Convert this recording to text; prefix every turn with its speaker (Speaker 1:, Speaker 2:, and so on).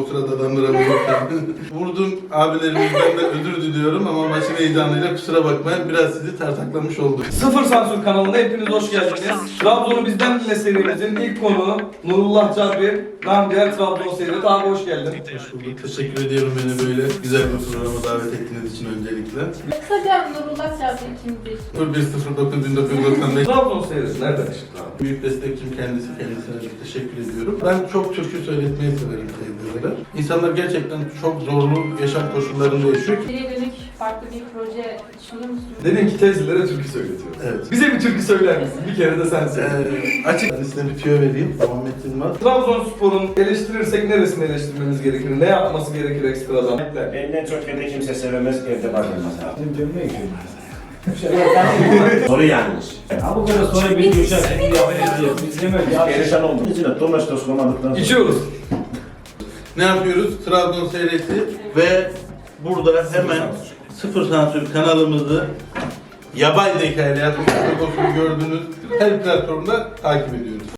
Speaker 1: sırada adamdıramıyorken. Vurdum abilerimizden de özür diliyorum ama maçın heyecanıyla kusura bakmayın biraz sizi tartaklamış oldum.
Speaker 2: Sıfır Sansür kanalına hepiniz hoş geldiniz. Trabzon'u bizden dinle serimizin ilk konuğu Nurullah Cabir. Ben diğer Trabzon seyret. Abi hoş geldin.
Speaker 1: Hoş bulduk. Teşekkür ediyorum beni böyle güzel bir programa davet ettiğiniz için öncelikle.
Speaker 3: Kısaca Nurullah Cabir kimdir?
Speaker 1: 0109-1995
Speaker 2: Trabzon seyret nereden çıktı abi?
Speaker 1: Büyük destekçim kendisine çok teşekkür ediyorum. Ben çok türkü söyletmeyi severim teyzeler. İnsanlar gerçekten çok zorlu yaşam koşullarında yaşıyor ki.
Speaker 3: İleriye dönük farklı bir proje düşünüyor musunuz?
Speaker 2: Dedin ki teyzelere türkü söyletiyoruz.
Speaker 1: Evet.
Speaker 2: Bize bir türkü söyler misin? Bir kere de sen söyle.
Speaker 1: Açık ben size bir tüyo vereyim. Muhammed Yılmaz.
Speaker 2: Trabzonspor'un eleştirirsek neresini eleştirmemiz gerekir? Ne yapması gerekir ekstradan?
Speaker 4: Benden çok evde kimse sevemez, evde bakılmaz abi.
Speaker 5: Bizim dönmeye gidiyoruz.
Speaker 4: Soru yanlış.
Speaker 5: Ha bu kadar sonra bir yuşak şimdi yapacağız. Biz yemek ya.
Speaker 4: Perişan oldum. İçine domestos koymadıktan sonra.
Speaker 2: İçiyoruz.
Speaker 1: Ne yapıyoruz? Trabzon seyreti ve burada hemen Sıfır Sansür kanalımızı yapay zeka ile yapmış olduğunu gördüğünüz her platformda takip ediyoruz.